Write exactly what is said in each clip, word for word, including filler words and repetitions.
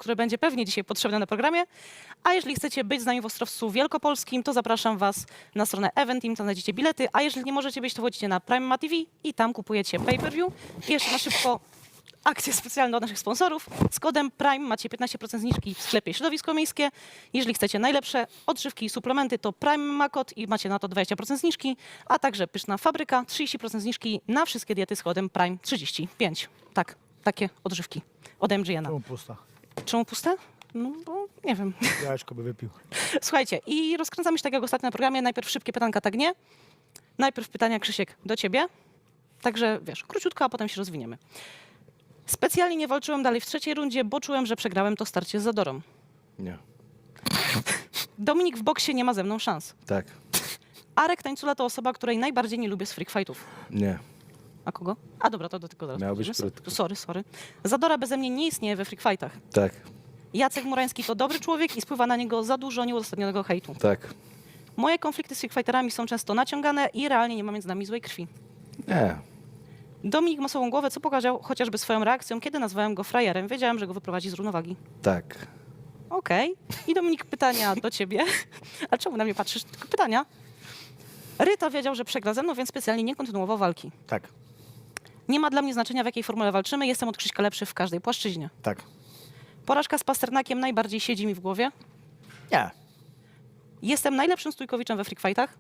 które będzie pewnie dzisiaj potrzebne na programie. A jeżeli chcecie być z nami w Ostrowcu Wielkopolskim, to zapraszam was na stronę Eventim, tam znajdziecie bilety. A jeżeli nie możecie być, to wchodzicie na Prime Ma T V i tam kupujecie pay-per-view. I jeszcze na szybko akcje specjalne od naszych sponsorów. Z kodem Prime macie piętnaście procent zniżki w sklepie Środowisko Miejskie. Jeżeli chcecie najlepsze odżywki i suplementy, to Prime ma kod i macie na to dwadzieścia procent zniżki, a także Pyszna Fabryka, trzydzieści procent zniżki na wszystkie diety z kodem Prime trzydzieści pięć. Tak, takie odżywki od M G N. Czemu pusta? Czemu puste? No bo nie wiem. Jajeczko by wypił. Słuchajcie, i rozkręcamy się tak jak ostatnio na programie. Najpierw szybkie pytanka, tak nie? Najpierw pytania, Krzysiek, do ciebie. Także wiesz, króciutko, a potem się rozwiniemy. Specjalnie nie walczyłem dalej w trzeciej rundzie, bo czułem, że przegrałem to starcie z Zadorą. Nie. Dominik w boksie nie ma ze mną szans. Tak. Arek Tańcula to osoba, której najbardziej nie lubię z freak fightów. Nie. A kogo? A dobra, to do tego zaraz Miało być przejdziemy. krótko. Sorry, sorry. Zadora beze mnie nie istnieje we freak fightach. Tak. Jacek Murański to dobry człowiek i spływa na niego za dużo nieuzasadnionego hejtu. Tak. Moje konflikty z freak fighterami są często naciągane i realnie nie ma między nami złej krwi. Nie. Dominik ma sobą głowę, co pokazał chociażby swoją reakcją, kiedy nazwałem go frajerem. Wiedziałem, że go wyprowadzi z równowagi. Tak. Okej. I Dominik, pytania do ciebie. A czemu na mnie patrzysz? Tylko pytania. Ryta wiedział, że przegra ze mną, więc specjalnie nie kontynuował walki. Tak, Nie ma dla mnie znaczenia, w jakiej formule walczymy. Jestem od Krzyśka lepszy w każdej płaszczyźnie. tak. Porażka z Pasternakiem najbardziej siedzi mi w głowie. Nie. Jestem najlepszym stójkowiczem we freak fightach.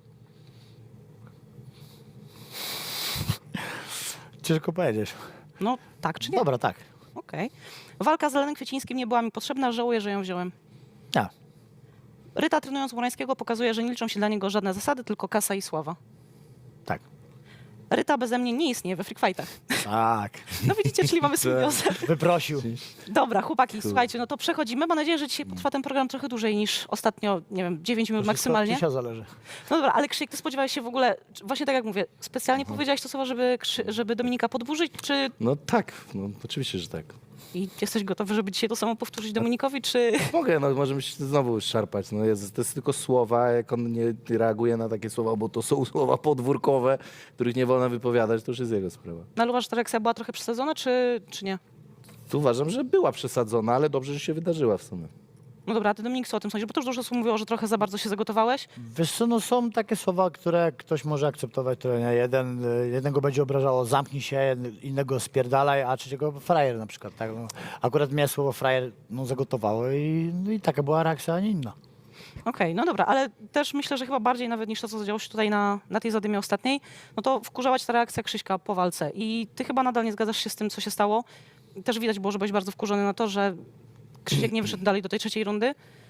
Ciężko powiedzieć. No tak czy nie? Dobra, tak. Okej. Walka z Lenem Kwiecińskim nie była mi potrzebna. Żałuję, że ją wziąłem. Nie. Ryta trenując Murańskiego pokazuje, że nie liczą się dla niego żadne zasady, tylko kasa i sława. Tak. Ryta beze mnie nie istnieje we freak fightach. Tak. No widzicie, czyli mamy symbiozę. Wyprosił. Dobra, chłopaki, słuchajcie, no to przechodzimy. Mam nadzieję, że dzisiaj potrwa ten program trochę dłużej niż ostatnio, nie wiem, dziewięć minut maksymalnie. Dzisiaj zależy. No dobra, ale Krzysiek, ty spodziewałeś się w ogóle, właśnie tak jak mówię, specjalnie powiedziałeś to słowo, żeby, Krzy- żeby Dominika podburzyć, czy No tak. No oczywiście, że tak. i jesteś gotowy, żeby dzisiaj to samo powtórzyć Dominikowi, czy... Mogę, no możemy się znowu szarpać. No jest, to jest tylko słowa, jak on nie reaguje na takie słowa, bo to są słowa podwórkowe, których nie wolno wypowiadać, to już jest jego sprawa. No ale uważasz, że ta reakcja była trochę przesadzona, czy, czy nie? Tu uważam, że była przesadzona, ale dobrze, że się wydarzyła w sumie. No dobra, a ty Dominik, co o tym sądzisz? Bo to już dużo osób mówiło, że trochę za bardzo się zagotowałeś. Wiesz co, no są takie słowa, które ktoś może akceptować, które nie. Jeden, y, jednego będzie obrażało zamknij się, jed- innego spierdalaj, a trzeciego frajer na przykład. Tak? No, akurat mnie słowo frajer no, zagotowało i, no, i taka była reakcja, a nie inna. Okej, no dobra, ale też myślę, że chyba bardziej nawet niż to, co zadziało się tutaj na, na tej zadymie ostatniej, no to wkurzała cię ta reakcja Krzyśka po walce. I ty chyba nadal nie zgadzasz się z tym, co się stało. Też widać było, że byłeś bardzo wkurzony na to, że Krzysiek nie wyszedł dalej do tej trzeciej rundy.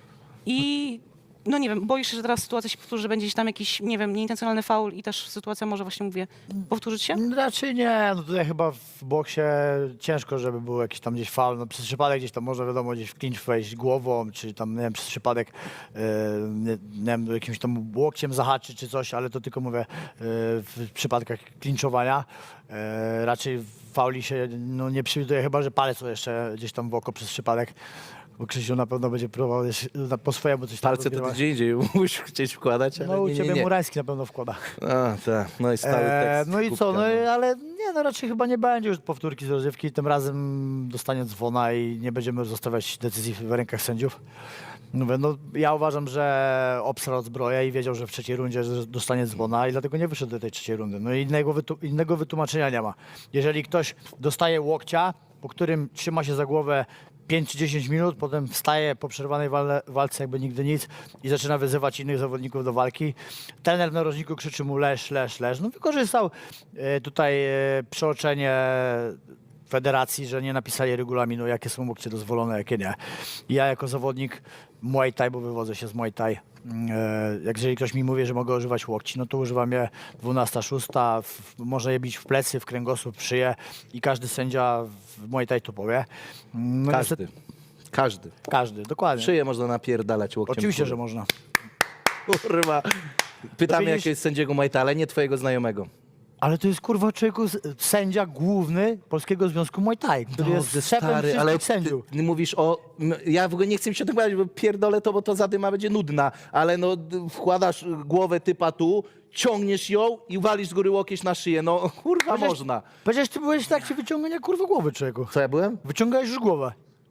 I no nie wiem, boisz się, że teraz sytuacja się powtórzy, że będzie gdzieś tam jakiś, nie wiem, nieintencjonalny faul i też sytuacja może właśnie, mówię, powtórzyć się? Raczej nie, no tutaj chyba w boksie ciężko, żeby był jakiś tam gdzieś faul. No przez przypadek gdzieś tam może wiadomo gdzieś w clinch wejść głową, czy tam nie wiem, przez przypadek yy, nie, nie wiem, jakimś tam łokciem zahaczyć czy coś, ale to tylko mówię yy, w przypadkach klinczowania. Yy, raczej fauli się no, nie przewiduje, chyba że palec jeszcze gdzieś tam w oko przez przypadek. Bo Krzysiu na pewno będzie próbował jeszcze na- po swojemu coś tam Palce to rozgrywać. gdzie indziej musisz chcieć wkładać, ale No u nie, ciebie nie, nie. Murański na pewno wkłada. A, tak. No i stały Eee, tekst. no i kubka, co, no, i- ale nie, no raczej chyba nie będzie już powtórki z rozrywki. Tym razem dostanie dzwona i nie będziemy zostawiać decyzji w rękach sędziów. Mówię, no, ja uważam, że obsrał zbroję i wiedział, że w trzeciej rundzie że dostanie dzwona i dlatego nie wyszedł do tej trzeciej rundy. No i innego, wytu- innego wytłumaczenia nie ma. Jeżeli ktoś dostaje łokcia, po którym trzyma się za głowę pięć czy dziesięć minut, potem wstaje po przerwanej wale, walce jakby nigdy nic i zaczyna wyzywać innych zawodników do walki. Trener w narożniku krzyczy mu leż, leż, leż. No wykorzystał e, tutaj e, przeoczenie federacji, że nie napisali regulaminu, jakie są łokcie dozwolone, jakie nie. Ja jako zawodnik Muay Thai, bo wywodzę się z Muay Thai, e, jak jeżeli ktoś mi mówi, że mogę używać łokci, no to używam je dwunasta, szósta, w, można je bić w plecy, w kręgosłup, w szyję i każdy sędzia w Muay Thai to powie. No, Każdy. niestety- Każdy. Każdy, dokładnie. Szyję można napierdalać łokciem. Oczywiście, kurwa. że można. Kurwa. Pytamy widzisz- jakiegoś sędziego Muay Thai, ale nie twojego znajomego. Ale to jest kurwa człowieku s- sędzia główny Polskiego Związku Muay Thai, który jest Dobrze, szefem wszystkich ale sędziów. ty mówisz o... m, Ja w ogóle nie chcę mi się o tym gadać, bo pierdolę to, bo to zadyma będzie nudna, ale no d- wkładasz głowę typa tu, ciągniesz ją i walisz z góry łokieć na szyję. No kurwa Powiedziałeś- można. Powiedziałeś, ty byłeś w trakcie wyciągania kurwa głowy człowieku. Co ja byłem? Wyciągałeś już głowę.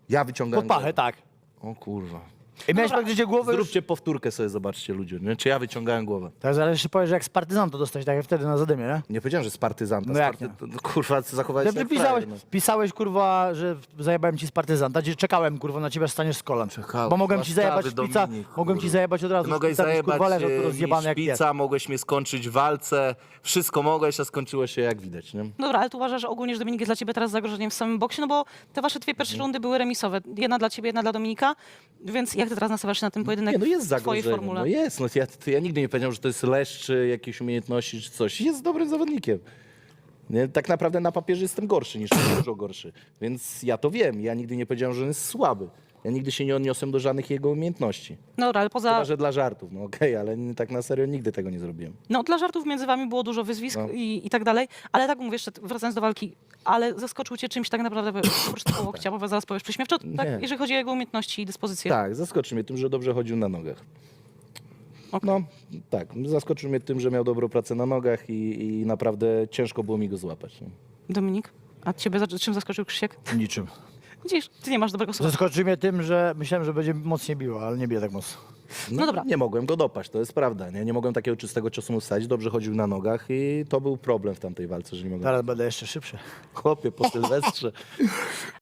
Ja wyciągałem Pod pachę, głowę. tak. O kurwa. I miałeś praktycznie głowę już... Zróbcie powtórkę sobie, zobaczcie ludzie, nie? Czy ja wyciągałem głowę. Tak, ale jeszcze powiesz, że jak z partyzan to dostać, tak jak wtedy na zadymie, nie? Nie powiedziałem, że z partyzanta. No z jak party... nie? to, kurwa, zachowałeś się Ty jak pisałeś, frajer, no. pisałeś, kurwa, że zajebałem ci z partyzanta, gdzie czekałem, kurwa, na ciebie, staniesz z kolan. Czekałem. Bo mogłem ci Łaskawy zajebać szpica, Dominik, mogłem ci kurwa. zajebać od razu Mogłeś szpica, byś, zajebać kurwa, leżał tu e, rozjebany mi jak pies. szpica, mogłeś mnie skończyć w walce, wszystko mogłeś, a skończyło się jak widać, nie? Dobra, ale tu uważasz, że ogólnie, że Dominik jest dla ciebie teraz zagrożeniem w samym boksie, no bo te wasze dwie pierwsze rundy były remisowe. Jedna dla ciebie, jedna dla Dominika, więc jak ty teraz nastawiasz się na ten pojedynek Nie, no jest w twojej zagrożenie. formule? No jest, no ja, to ja nigdy nie powiedziałem, że to jest leszcz, czy jakieś umiejętności, czy coś. Jest dobrym zawodnikiem. Nie? Tak naprawdę na papierze jestem gorszy niż dużo gorszy. Więc ja to wiem. Ja nigdy nie powiedziałem, że on jest słaby. Ja nigdy się nie odniosłem do żadnych jego umiejętności. No dobra, ale poza... Chyba, że dla żartów. No okej, ale nie- tak na serio nigdy tego nie zrobiłem. No dla żartów między wami było dużo wyzwisk No. i, i tak dalej, ale tak mówię jeszcze, wracając do walki, ale zaskoczył cię czymś tak naprawdę oprócz tego łokcia, bo zaraz powiesz prześmiewczo, tak, Nie. jeżeli chodzi o jego umiejętności i dyspozycję. Tak, zaskoczył mnie tym, że dobrze chodził na nogach. Okej. No, tak. Zaskoczył mnie tym, że miał dobrą pracę na nogach i, i naprawdę ciężko było mi go złapać. Nie? Dominik, a ciebie za- czym zaskoczył Krzysiek? Niczym. Widzisz, ty nie masz dobrego słowa. Zaskoczył mnie tym, że myślałem, że będzie mocniej biło, ale nie bije tak mocno. No dobra. Nie mogłem go dopaść, to jest prawda. Nie, nie mogłem takiego czystego ciosu mu wsadzić. Dobrze chodził na nogach i to był problem w tamtej walce, że nie mogłem. Teraz będę jeszcze szybszy. Chłopie, po Sylwestrze.